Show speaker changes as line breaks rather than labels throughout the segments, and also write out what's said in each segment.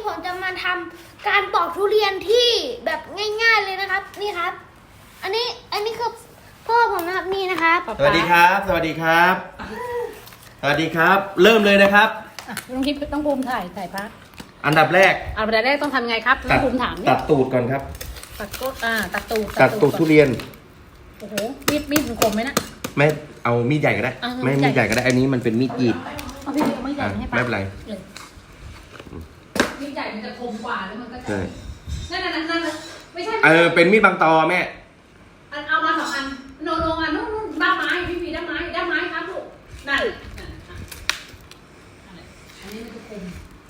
ผมจะมาทำการปอกทุเรียนที่แบบง่ายๆเลยนะครับนี่ครับอันนี้คือพ่อผมนะครับนี่นะครับ
สวัสดีครับ สวัสดีครับ สวัสดีครับ เริ่มเลยนะครับ
ต้องคิดต้องภูมิถ่ายพัก
อันดับแรก
อันดับแรกต้องทำไงครับต้องภูมิถาม
ตัดตูดก่อนครับ
ตัดก็ตัดตูด
ตัดตูดทุเรียน
โอ้โหมีดคมไหมนะ
ไม่เอามีดใหญ่ก็ได้ ไม่มีดใหญ่ก็ได้ อันนี้มันเป็นมีดกรีด
เอาพี่เอาไม่ใหญ่ให้ป้า
ไม่เป็นไร
มีดใหญ่มันจะคมกว่าแล้วมันก็จะ
ใช่
นั่นไม่ใช่
เป็นมีดบางตอแม่
เอามา2 อันโนอันนู้นด้ามไม้พี่ด้ามไม้ครับลูกนั่นอันนี้มันจะคม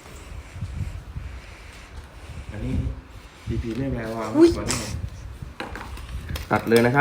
อันนี้พีไม่แปลว่าตัดเลยนะครับ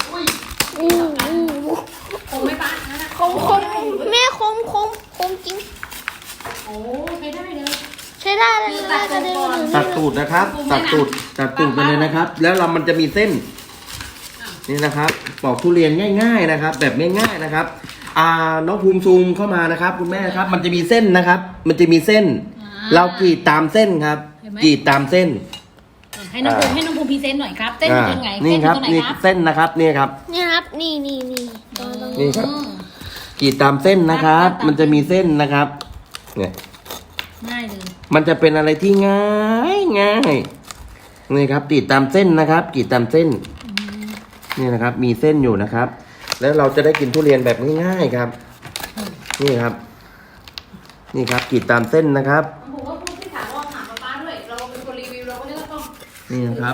คมไหมป้านั่นน่ะ
คมแม่คมจริง
โอ้ใช้ได้เลย
ใช้ได้เลยนะกระเด็นมาถึง
ตัดตูดนะครับ ตัดตูดไปเลยนะครับ แล้วมันจะมีเส้น นี่นะครับปอกทุเรียนง่ายๆนะครับ แบบง่ายๆนะครับน้องภูมิซูมเข้ามานะครับ คุณแม่ครับ มันจะมีเส้นนะครับ มันจะมีเส้น เรากรีดตามเส้นครับกรีดตามเส้น
ให้น้องภูมิพรีเซนต์หน่อยครับเส้นอยู่ตรงไหน
นี่ครับ
เส้นอยู่ตรงไหน
นี่
ครับ
เส้นนะครับนี่ครับ
นี่ครับนี่
นี่ครับกรีดตามเส้นนะครับ มันจะมีเส้นนะครับ เนี่ย
ง่ายเลย
มันจะเป็นอะไรที่ง่ายนี่ครับกรีดตามเส้นนะครับกรีดตามเส้นนี่นะครับ มีเส้นอยู่นะครับ แล้วเราจะได้กินทุเรียนแบบง่ายๆครับ นี่ครับ นี่ครับกรีดตามเส้นนะครับ
ผมว่าพูดที่ถามว่าถามป้าด้วยเราเป็นคนรีวิวเราก็เลยต้อง
นี่นะครับ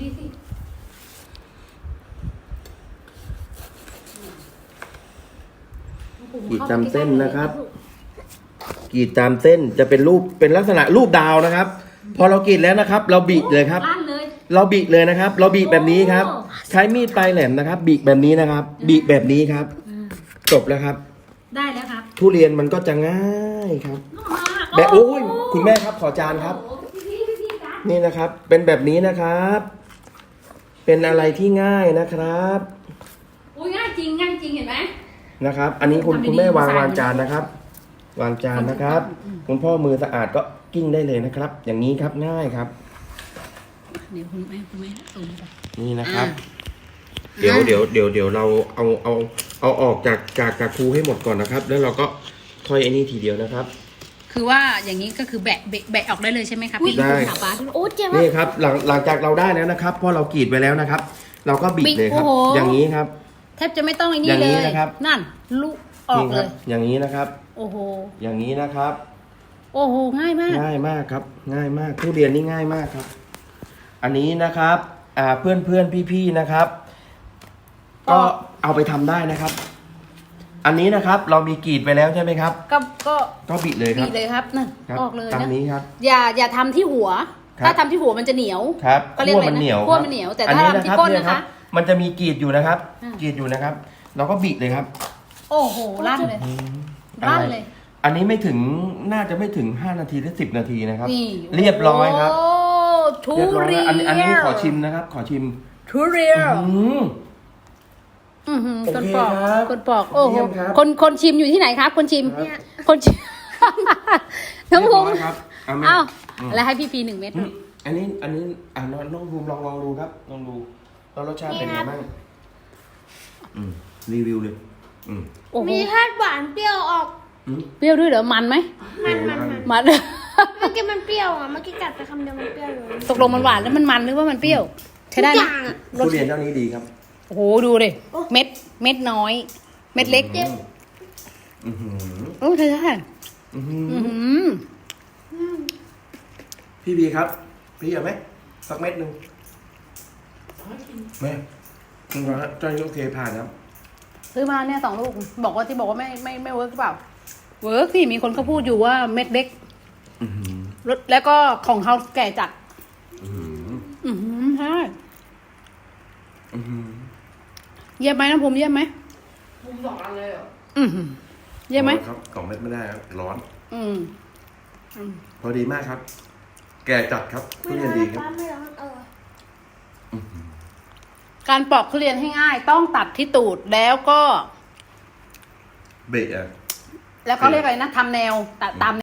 กรีดตามเส้นนะครับกรีดตามเส้นจะเป็นรูปเป็นลักษณะรูปดาวนะครับ พอเรากรีดแล้วนะครับ เราบิดเลยครับ
ลั่นเลย
เราบิเลยนะครับ เราบิแบบนี้ครับ ใช้มีดปลายแหลมนะครับ บิแบบนี้นะครับ บิแบบนี้ครับ จบแล้วครับ
ได้แล้วครับ
ทุเรียนมันก็จะง่ายครับ แบบโอ้ยคุณแม่ครับขอจานครับ นี่นะครับ เป็นแบบนี้นะครับ เป็นอะไรที่ง่ายนะครับ
อุ้ยง่ายจริงเห็นไหม
นะครับ อันนี้คุณแม่วางจานนะครับ วางจานนะครับ คุณพ่อมือสะอาดก็กิ้งได้เลยนะครับ อย่างนี้ครับง่ายครับ
เดี๋ยวคุณแม่สูงไป
นี่นะครับ เดี๋ยวเราเอาออกจากครูให้หมดก่อนนะครับ แล้วเราก็ค่อยไอ้นี่ทีเดียวนะครับ
คือว่าอย่างนี้ก็คือแบะออกได้เลยใช่ไหมครับพี่
ได้
ถามป้าด้วย
โอ้เจ็บ
นี่ครับหลังจากเราได้แล้วนะครับเพราะเรากรีดไปแล้วนะครับ เราก็บิดเลยครับ
โอ้โห
อย่างนี้ครับ
แทบจะไม่ต้องไอ้นี่
อย่าง
เล
นี้
ย
นะครับ
นั่นลูกออก
นี่ค
เล
รับ
ย
อย่างนี้นะครับ
โอ้โห
อย่างนี้นะครับ
โอ้โหง่ายมาก
ง่ายมากครับ ง่ายมากทุเรียนนี่ง่ายมากครับ อันนี้นะครับเพื่อนพี่ๆนะครับ ก็เอาไปทำได้นะครับ อันนี้นะครับ เรามีกรีดไปแล้วใช่ไหมครับ
ก็
บิดเลยค
บี
รับ
บเลยครับนั่น
ครับ
ออกเลย
ตาม
นะ
นี้ครับ
อย่าทำที่หัว
ครับ
ถ้าทำที่หัวมันจะเหนียว
ครับ
ก็เรียกอะไร
มันเหนียว
นะขั้วมันเหนียวแต่
อัน
ถ้า
นี้
ทำที่ก้น
เย
นะคะ
มันจะมีกรีดอยู่นะครับ
อ่า
กรีดอยู่นะครับ เราก็บิดเลยครับ
โอ้โหลั่นเลยลั่นเลย
อันนี้น่าจะไม่ถึง5 นาทีหรือ10 นาทีนะครับ
นี่
เรียบร้อยครับ
โอ้ทุ
เรียบร้อย
เรีย
แล้ว
น
อันนี้ขอชิมนะครับ ขอชิม
ทุเรียน
อืม โอ
คน
เค
ปอก
ครับ
คนปอกโอ้โห
เยี่ยมครับ
คนชิมอยู่ที่ไหนครับ คนชิม
ครับ
คนชิม น้องภูมิ
เรียบร้อยครับเอาไหม
อ้าว
อืม
แล้วให้พี่1 เม็ด
อันนี้น้องภูมิลองดูครับลองดูแล้วรสชาติเป็นไงบ้างรีวิวเลยอืม
โอ้โห
มีธาตุหวานเปรี้ยวออก
เปรี้ยวด้วยเหรอมันไหม
มัน
มัน
เมื่อกี้มันเปรี้ยวอ่ะเมื่อกี้กัดไปคำเดียวมันเปรี้ยวเลย
ตกลงมันหวานแล้วมันหรือว่ามันเปรี้ยว ใช้ได้
ทุกอ
นะ
ย่างอะ
ทุเรียนเจ้านี้ดีครับ
โอ้โหดูดิเม็ดน้อย เม็ดเล็ก
อือหือ
โอ้ใช่ใช่
อือหือ พี่บีครับ พี่เอาไหมสักเม็ดหนึ่งแม่คุณว่าเจ้านี้โอเคผ่านครับ
ซื้อมาเนี่ย2 ลูกบอกว่าไม่เวิร์กหรือเปล่าเวิร์กที่มีคนเขาพูดอยู่ว่าเม็ดเล็ก
อือหือ
แล้วก็ของเขาแก่จัด
อือหือ
ใช่
อือหือ
เยี่ยมไหมน้องภูมิเยี่ยมไหม
มุม2 อันเลยเหรอ
เยี่ยมไหม
ครับ2 เม็ดไม่ได้ครับร้อน
อืม
พอดีมากครับ แก่จัดครับทุเรียนดีครับ
ป้าไม่ร้อน
การปอกทุเรียนให้ง่ายต้องตัดที่ตูดแล้วก็
เบะอ่ะ
แล้วก็เรียกอะไรนะทำแนวตัดตาม